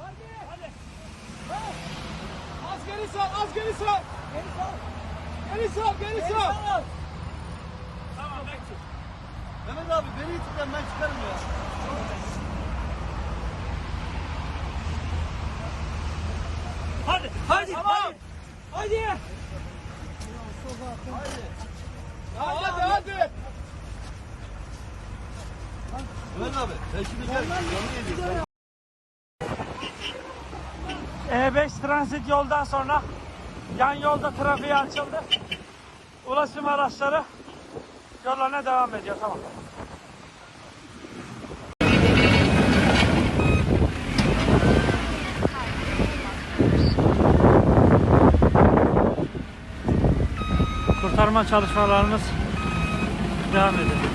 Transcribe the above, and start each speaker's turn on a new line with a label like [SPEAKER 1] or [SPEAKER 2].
[SPEAKER 1] Az geri sal, az geri sal. Geri sal, geri sal.
[SPEAKER 2] Tamam ben çık.
[SPEAKER 3] Mehmet abi beni itikten ben çıkarım ya.
[SPEAKER 2] Hadi, hadi,
[SPEAKER 1] Tamam.
[SPEAKER 2] hadi.
[SPEAKER 1] Hadi. Hadi, hadi.
[SPEAKER 3] Mehmet abi ben şimdi gel. Yanına yedik.
[SPEAKER 2] E5 transit yoldan sonra yan yolda trafiğe açıldı. Ulaşım araçları yollarına devam ediyor. Tamam. Kurtarma çalışmalarımız devam ediyor.